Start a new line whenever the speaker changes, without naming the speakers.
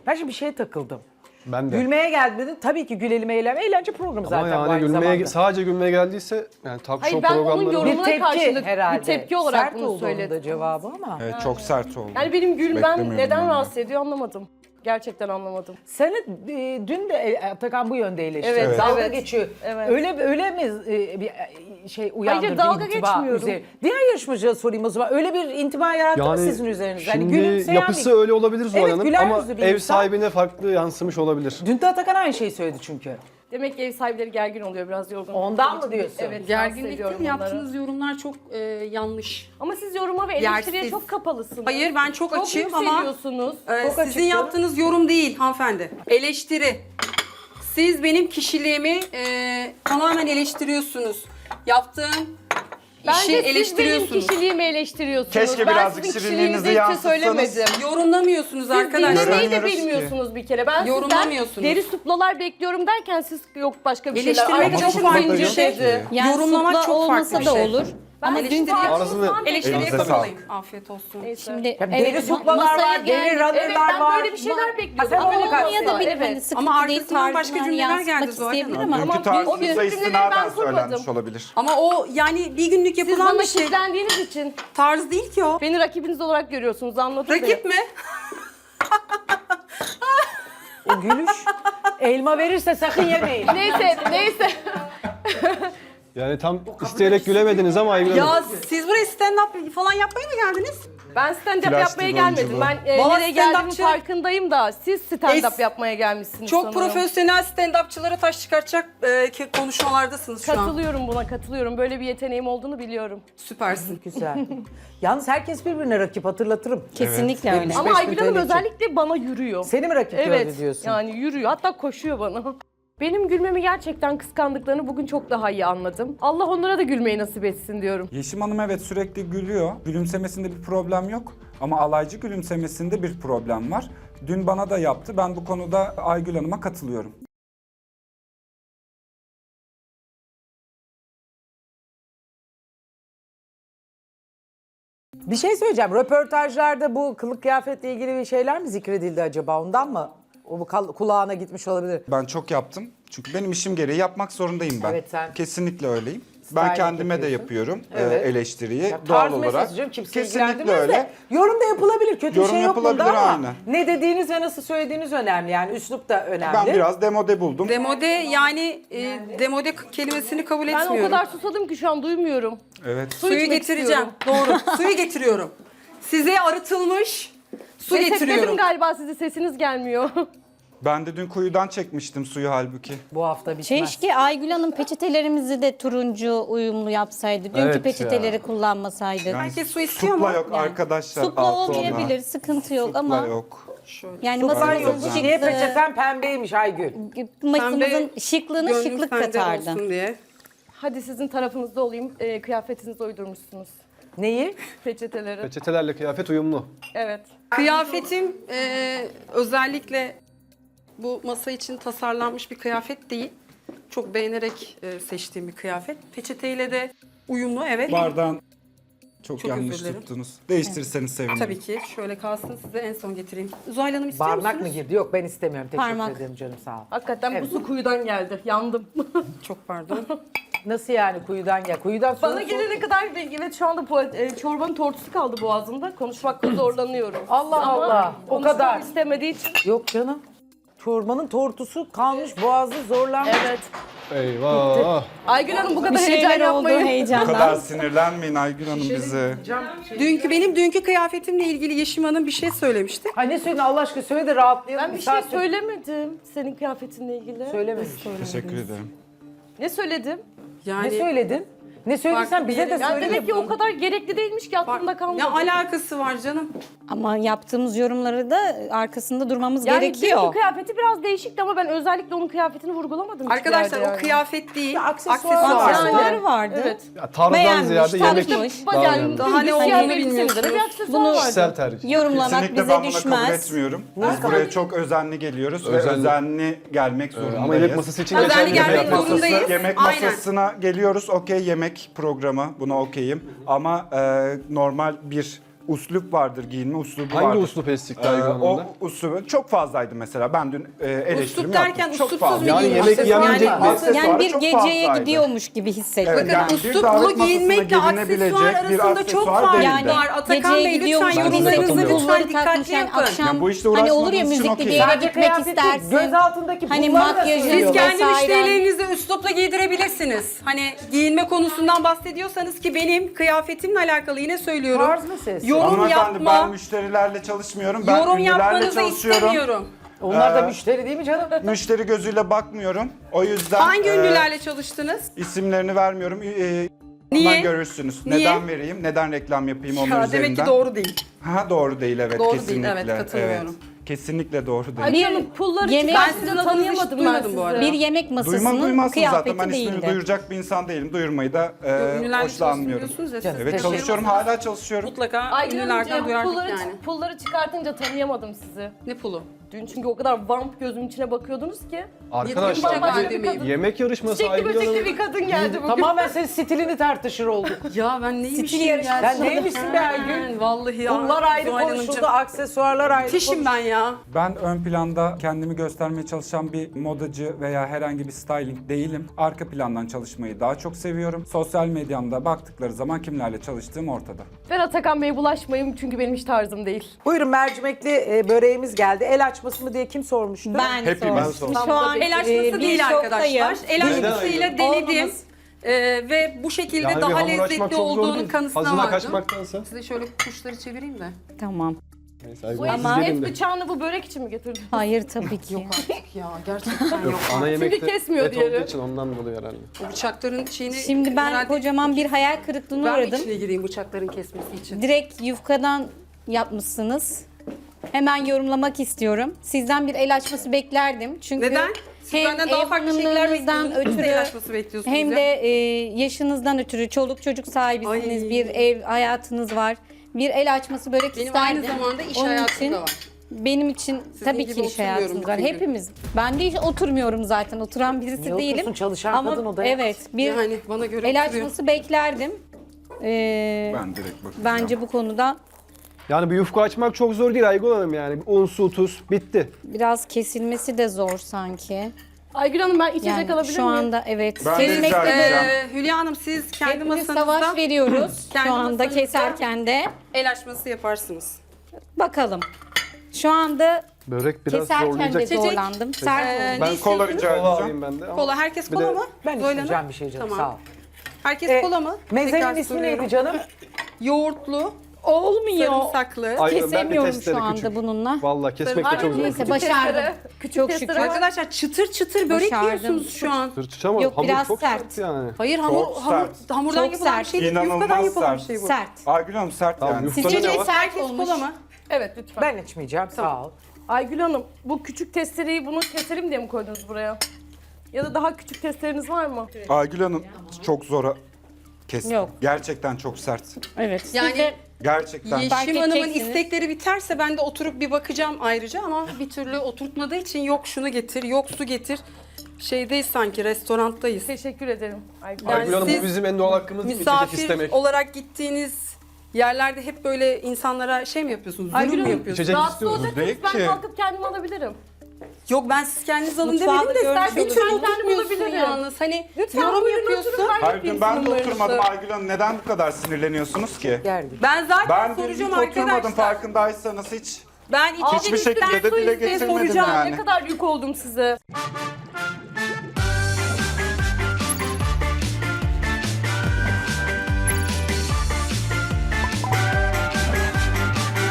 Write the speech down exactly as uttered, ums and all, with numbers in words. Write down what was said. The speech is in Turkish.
Ben şimdi bir şeye takıldım.
Ben de.
Gülmeye geldi dedin. Tabii ki gülelim eğlenme. Eğlence programı
Ama
zaten bu
yani
aynı
gülmeye,
zamanda.
sadece gülmeye geldiyse yani talk
Hayır,
show
ben onun
programları...
yorumu-
Bir
Yorumuna
tepki
karşılık, bir
herhalde.
tepki olarak
Sert
bunu
oldu onun
söyledim.
da cevabı ama.
Evet, çok sert oldu.
Yani benim gülmem
Beklemiyordum
neden
yani.
rahatsız ediyor anlamadım. Gerçekten anlamadım.
Seni e, dün de e, Atakan bu yönde eleştirdi.
Evet,
Dalga
evet.
geçiyor.
Evet.
Öyle öyle mi e, bir e, şey uyandırdı
dalga
intiba
geçmiyorum.
üzeri- Diğer yarışmacıya sorayım o zaman. Öyle bir intiba yarattı mı
Yani
sizin üzerinizde? Hani
şimdi
gülümseyen
yapısı
bir-
öyle olabilir Zuhal
Evet,
Hanım
güler
ama
yüzlü bir
ev
insan.
sahibine farklı yansımış olabilir.
Dün de Atakan aynı şeyi söyledi çünkü.
Demek ki ev sahipleri gergin oluyor, biraz yorgun.
Ondan
olduğu
mı
için.
diyorsun?
Evet,
Gerginlik
rahatsız
değil,
ediyorum onları.
yaptığınız yorumlar çok e, yanlış.
Ama siz yoruma ve eleştiriye
Yersiz.
çok kapalısınız.
Hayır, ben çok,
Çok
açığım ama
yükseliyorsunuz.
e,
Çok
sizin
açık canım.
yaptığınız yorum değil hanımefendi. Eleştiri. Siz benim kişiliğimi e, tamamen eleştiriyorsunuz. Yaptığım
Bence
işi
siz benim
eleştiriyorsunuz.
kişiliğimi eleştiriyorsunuz.
Keşke
ben
birazcık
sizin
şirinliğinizi
kişiliğinizi hiç şey
yansıtsanız.
söylemedim.
Yorumlamıyorsunuz
Siz
arkadaşlar.
dinlemeyi de
Göremiyoruz ki.
bilmiyorsunuz bir kere. Ben sizden
Yorumlamıyorsunuz.
deri suplalar bekliyorum derken siz yok başka bir şeyler.
Eleştirmek
Arkadaşım
çok farklı bir
zincir
şey.
dedi.
Yani
Yorumlamak
supla
çok
olmasa
farklı bir
da
şey.
olur.
Ben
Ama
eleştiri
dün
Ağzını-
Eleştiriye
Elinize
kapalayın.
sağlık.
Afiyet olsun.
şimdi
Ya
evet,
deri suplalar
masaya
var, deri
geldik.
runner'lar
Evet, ben
var.
böyle bir şeyler
Ha,
bekliyordum.
sen
Ama
öyle
olmaya
kalsın.
da
Olmaya da bilir.
evet.
Hani sıkıntı
Ama
değil,
arkasından başka
tarzını
cümleler
yansıtmak
geldi Zuhal
isteyebilir
Hanım.
ama
Dünkü
Ama
tarzınıza
o cümleleri
istinaden
ben kurmadım.
söylenmiş olabilir.
Ama o yani bir günlük
Siz
yapılan
bana
bir şey.
kilitlendiğiniz için
Tarz değil ki o.
beni rakibiniz olarak görüyorsunuz, anladın mı?
Rakip mi?
O gülüş. Elma verirse sakın yemeyin.
Neyse, neyse.
Yani tam isteyerek gülemediniz ama Aygül Hanım.
Ya siz buraya stand-up falan yapmaya mı geldiniz?
Ben stand-up
Plastik
yapmaya gelmedim.
oyunculuğu.
Ben e,
Valla
nereye geldiğimin
stand-upçı-
farkındayım da siz stand-up
Es-
yapmaya gelmişsiniz
Çok
sanırım.
profesyonel stand-upçılara taş çıkartacak e, ki- konuşmalardasınız şu an.
Katılıyorum buna, katılıyorum. Böyle bir yeteneğim olduğunu biliyorum.
Süpersin.
Güzel. Yalnız herkes birbirine rakip hatırlatırım.
Kesinlikle
Evet.
öyle.
Beş
Ama
bin
Aygül Hanım
T L için.
özellikle bana yürüyor.
Seni mi rakip gördü
Evet,
diyorsun?
yani yürüyor. Hatta koşuyor bana. Benim gülmemi gerçekten kıskandıklarını bugün çok daha iyi anladım. Allah onlara da gülmeyi nasip etsin diyorum.
Yeşim Hanım evet sürekli gülüyor. Gülümsemesinde bir problem yok. Ama alaycı gülümsemesinde bir problem var. Dün bana da yaptı. Ben bu konuda Aygül Hanım'a katılıyorum.
Bir şey söyleyeceğim. Röportajlarda bu kılık kıyafetle ilgili bir şeyler mi zikredildi acaba? Ondan mı? O bu kal- kulağına gitmiş olabilir.
Ben çok yaptım. Çünkü benim işim gereği yapmak zorundayım ben.
Evet, sen-
Kesinlikle öyleyim.
Styling
Ben kendime de
yapıyorsun.
yapıyorum
Evet.
e, eleştiriyi
Ya
doğal
tarz
olarak.
mesajı canım, kimse
Kesinlikle
ilgilendirmez
öyle.
de. Yorum da yapılabilir. Kötü
Yorum
bir şey yok bunda
yapılabilir,
ama
aynen.
ne dediğiniz ve nasıl söylediğiniz önemli. Yani üslup da önemli.
Ben biraz demode buldum.
Demode yani e, demode k- kelimesini kabul
Ben
etmiyorum.
o kadar susadım ki şu an duymuyorum.
Evet.
Suyu
içmek
getireceğim.
istiyorum.
Doğru. Suyu getiriyorum. Size arıtılmış su
Resetledim
getiriyorum.
galiba, sizi sesiniz gelmiyor.
Ben de dün kuyudan çekmiştim suyu halbuki.
Bu hafta bitmez.
Keşke Aygül Hanım peçetelerimizi de turuncu uyumlu yapsaydı. Dünkü
Evet
peçeteleri
ya.
kullanmasaydı.
Herkes su istiyor
Supla
mu?
yok arkadaşlar.
Supla
altı ona.
olmayabilir, sıkıntı yok
Supla
ama
yok.
yani
Suplar
masamızın
yok. Niye
şıklığı,
peçeten pembeymiş Aygül?
masamızın
Pembe
şıklığına
Gönlüm
şıklık
sende
katardı.
olsun diye.
Hadi sizin tarafınızda olayım. E, kıyafetinizi uydurmuşsunuz.
Neyi?
Peçeteleri.
Peçetelerle kıyafet uyumlu.
Evet.
Kıyafetim e, özellikle bu masa için tasarlanmış bir kıyafet değil. Çok beğenerek e, seçtiğim bir kıyafet. Peçeteyle de uyumlu, evet.
Bardağın çok,
Çok
yanlış
özür dilerim.
tuttunuz. Değiştirirseniz sevinirim.
Tabii ki. Şöyle kalsın, size en son getireyim. Zuhal Hanım istiyor
Barnak mı
musunuz?
girdi? Yok ben istemiyorum. Teşekkür
Parmak.
ederim canım sağ ol.
Hakikaten
Evet.
bu su kuyudan geldi. Yandım.
Çok pardon.
Nasıl yani kuyudan gel? Kuyudan sonra
Bana gelene kadar evet şu anda po- e, çorbanın tortusu kaldı boğazımda. Konuşmakta zorlanıyorum.
Allah
Ama
Allah, o
konuşmam
kadar.
istemediği için.
Yok canım. Çorbanın tortusu kalmış boğazı zorlanmış.
Evet.
Eyvah.
Aygül Hanım bu
Bir
kadar heyecan
şeyler oldu
yapmayın.
Bu
heyecandan.
kadar sinirlenmeyin Aygül Hanım bize.
Dünkü benim dünkü kıyafetimle ilgili Yeşim Hanım bir şey söylemişti.
Ay ne söyledin Allah aşkına söyle de rahatlayalım.
Ben bir şey
saattir-
söylemedim senin kıyafetinle ilgili.
Söylememiş.
Teşekkür ederim.
Ne söyledim?
Yani
Ne söyledin? Ne söylediysen
Farklı
bize
bir
de
yere-
Yani
söyle.
demek ki o kadar gerekli değilmiş ki aklımda kalmadı.
ne alakası var canım?
Ama yaptığımız yorumları da arkasında durmamız
yani
gerekiyor.
benimki kıyafeti biraz değişikti ama ben özellikle onun kıyafetini vurgulamadım. hiçbir
Arkadaşlar
yerde
o
yani.
kıyafet değil.
Ya, aksesuar
aksesuar.
var.
Aksesuarı vardı.
Evet.
Ya, tarzdan
Beğenmiş,
ziyade yemek
tanışmış.
daha
Yani
önemli.
Daha ne
bir
olduğunu
siyah elbisenin de
bilmiyorsunuz.
bir aksesuar
Bunu-
vardı.
Kişisel tercih.
Yorumlamak
Kesinlikle
bize
ben buna kabul
düşmez.
etmiyorum. Biz buraya çok özenli geliyoruz ve
Özenli.
özenli gelmek zorundayız.
Ama yemek masası için
Özenli
geçerli bir
gelmek
kıyafet.
Masası,
zorundayız.
yemek
Aynen.
masasına geliyoruz. Okey yemek programı. Buna okeyim. Ama e, normal bir uslup vardır, giyinme uslubu
Hangi
vardır.
uslup eksikti
Ee,
Aygül
o
Hanım'da?
uslubu çok fazlaydı mesela. Ben dün e, eleştirimi
Uslup derken
yaptım. Çok
uslupsuz
fazla.
bir
Yani
giyinme.
yemek
Aksesuar
yemeyecek
yani.
mi?
Aksesuarı
Yani bir
çok
geceye
fazlaydı.
gidiyormuş gibi hissettim.
Evet,
ben.
yani bir
Usluplu
davet
giyinmekle
masasına
aksesuar
gelinebilecek bir
arasında çok
aksesuar
fark
değildi.
var. Atakan
Geceye
Bey
gidiyormuş
lütfen
gibi
Ben de
yorumlarınızı
katılıyorum.
hissettim.
lütfen
Pulları takmış
dikkatli
yani
yapın.
akşam
Ya bu işte
hani olur ya
uğraşmadığınız için
müzikli bir
okey.
yere
Sadece
gitmek
kıyafet değil,
istersin.
göz altındaki
Hani
pulları da
makyajı-
söylüyor.
Siz kendi
vesaire.
müşterilerinizi üslupla giydirebilirsiniz. Hani giyinme konusundan bahsediyorsanız ki benim kıyafetimle alakalı yine söylüyorum.
Tarz meselesi.
Yorum
Hanımefendi ben
yapma,
müşterilerle çalışmıyorum. Ben
yorum
ünlülerle
yapmanızı
çalışıyorum.
istemiyorum.
Onlar da
Ee,
müşteri değil mi canım?
Müşteri gözüyle bakmıyorum. O yüzden
Hangi
e,
ünlülerle çalıştınız?
isimlerini vermiyorum. E,
Niye?
ondan görürsünüz.
Niye?
Neden vereyim? Neden reklam yapayım onlar
Ya
üzerinden?
demek ki doğru değil.
Ha doğru değil evet
Doğru değil,
kesinlikle.
evet, katılıyorum.
Evet, kesinlikle doğru değil.
Aygül Hanım pulları
yemek-
Ben
çıkartınca
sizin adınızı hiç
tanıyamadım ben
duymadım
sizi.
bu arada.
Bir yemek
Duymam
masasının
duymazsın zaten.
kıyafeti
Ben ismini
değildi.
duyuracak bir insan değilim. Duyurmayı da e,
Ünlülerle
hoşlanmıyorum.
çalışıyorsunuz ya siz.
Evet,
Evet
de
çalışıyorum.
şey-
Hala çalışıyorum.
Mutlaka
Aygül
ünlülerden
Hanımcığım
duyardık
pulları,
yani.
pulları çıkartınca tanıyamadım sizi.
Ne pulu?
Dün çünkü o kadar vamp gözümün içine bakıyordunuz ki.
Arkadaşlar
Yetmiş
bir
dakika demeyeyim.
yemek yarışması
Çiçekli
Aygül
böcekli
Hanım.
bir kadın geldi bugün.
Tamamen senin stilini tartışır olduk.
Ya ben neymişim
Stil yarışması.
ya?
Sen neymişsin be Aygül?
Vallahi ya.
Bunlar ayrı
Zuhal
konuşuldu,
Hanımcığım.
aksesuarlar ayrı
Müthişim ben ya.
Ben ön planda kendimi göstermeye çalışan bir modacı veya herhangi bir styling değilim. Arka plandan çalışmayı daha çok seviyorum. Sosyal medyamda baktıkları zaman kimlerle çalıştığım ortada.
Ben Atakan Bey'e bulaşmayayım çünkü benim hiç tarzım değil.
Buyurun mercimekli e, böreğimiz geldi. El açması mı diye kim sormuştu?
Ben
Hepimiz.
sordum.
Ben sordum.
Şu an
El
e,
açması
bir
değil
şoktayım.
arkadaşlar. El açmasıyla
Neden
denedim.
Olmamız-
Ee, ve bu şekilde
Yani bir
daha
hamur açmak
lezzetli
çok zor
olduğunun
değil.
kanısına
Hazına
vardım.
kaçmaktansa.
Size şöyle kuşları çevireyim de.
Tamam.
Neyse Aygül
Bu
Hanım,
et,
siz
et
gelin de.
bıçağını bu börek için mi getirdin?
Hayır tabii ki.
Ya gerçekten yok.
Ana yemekte
kesmiyor
et
diğeri.
olduğu için ondan dolayı herhalde.
Bu bıçakların şeyini...
Şimdi ben
herhalde-
kocaman bir hayal kırıklığına
Ben mi
uğradım.
içine gireyim bıçakların kesmesi için?
Direkt yufkadan yapmışsınız. Hemen yorumlamak istiyorum. Sizden bir el açması beklerdim. Çünkü
Neden? Siz
hem
benden daha
ev
farklı şeyler
hanımlığınızdan
bekliyordunuz. Siz de el
ötürü
açması bekliyorsunuz
hem
ya.
de e, yaşınızdan ötürü çoluk çocuk sahibisiniz,
Ay.
bir ev hayatınız var. Bir el açması börek
Benim
isterdim.
aynı zamanda iş
Onun
hayatım
için
da var.
benim için tabii
gibi
ki iş
oturmuyorum
hayatımız var.
bütün gün.
Hepimiz. Ben de hiç oturmuyorum zaten. Oturan birisi
Niye
değilim.
otursun? Çalışan
Ama
kadın odaya.
evet bir
Yani bana göre
el
oturuyor.
açması beklerdim. Ee,
Ben direkt bakacağım.
bence bu konuda
Yani bir yufka açmak çok zor değil Aygül Hanım yani. Bir un, su, tuz bitti.
biraz kesilmesi de zor sanki.
Aygül Hanım ben içecek
Yani
alabilir
şu
miyim?
anda evet.
Ben de
Kesmekte
rica
de
edeceğim.
Ee, Hülya Hanım siz kendi
hepimiz
masanızda
savaş veriyoruz
Kendi
şu anda
masanızda-
keserken de.
el açması yaparsınız.
Bakalım. Şu anda
Börek biraz
keserken de
zorlayacak.
Çiçek.
zorlandım. Sert
Ee,
oldu.
ne
Ben kola
istiyorsunuz?
rica
Kola
edeceğim.
alayım ben de. ama-
Kola herkes
Bir
kola
de-
mı?
Ben
Zuhal Hanım?
isteyeceğim bir şey canım
Tamam.
sağ ol.
Herkes
E,
kola mı?
Mezenin
Tekrar
ismi
soruyorum.
neydi canım?
Yoğurtlu,
Olmuyor.
sarımsaklı.
Ay- Aygül Hanım, ben bir
Kesemiyorum
testere
şu anda
küçük.
bununla.
Vallahi kesmek de
Sarımsak-
çok zor.
Neyse başardım.
Küçük
Çok
testere
şükür.
var.
Arkadaşlar çıtır çıtır börek
Başardım.
yiyorsunuz şu an.
Sırtış ama
Yok,
hamur
biraz
çok
sert.
sert yani.
Hayır hamur,
Çok
hamur
sert.
hamurdan
Çok
yapılan bir
sert.
şey değil.
İnanılmaz
Yufkadan yapılan
sert.
bir şey bu.
Sert.
Aygül Hanım sert
Tamam,
yani.
yufkada
Sizce
ne
de
var?
sert
Herkes
olmuş.
kola mı?
Evet lütfen.
Ben içmeyeceğim sağ ol.
Aygül Hanım bu küçük testereyi bunu keselim diye mi koydunuz buraya? Ya da daha küçük testereniz var mı?
Aygül Hanım çok zora kes.
Yok.
Gerçekten çok sert.
Evet.
Yani-
Sizce
Gerçekten.
Fark
Yeşim Hanım'ın
edeceksiniz.
istekleri biterse ben de oturup bir bakacağım ayrıca ama bir türlü oturtmadığı için yok şunu getir, yok su getir. Şeydeyiz sanki, restorandayız.
Teşekkür ederim Aygül
Yani
Aygül Hanım
siz
bu bizim en doğal hakkımız değil mi? İçecek
Misafir
istemek.
olarak gittiğiniz yerlerde hep böyle insanlara şey mi yapıyorsunuz, zulüm
Aygül
mü
Hanım,
yapıyorsunuz?
İçecek
Rahatsız
istiyoruz.
olacaksanız
Değil
ben
ki.
kalkıp kendim alabilirim.
Yok ben siz kendiniz alın
Mutfağı
demedim de
görmüş
bir
oluruz.
türlü
Ben kendim
oturtmuyorsun
alabilirim.
yalnız. Hani
Lütfen
yorum
buyurun
yapıyorsun.
oturun, ben
Hayır
yapayım
dün ben de
sunumlarınızı.
oturmadım Aygül Hanım. Neden bu kadar sinirleniyorsunuz ki?
Geldi.
Ben zaten
Ben dün hiç
soracağım
oturmadım
arkadaşlar.
farkındaysanız hiç.
Ben içecek
Hiçbir
istedim,
şekilde de
su
dile
istedim,
getirmedim
soracağım.
yani.
Ne kadar yük oldum size.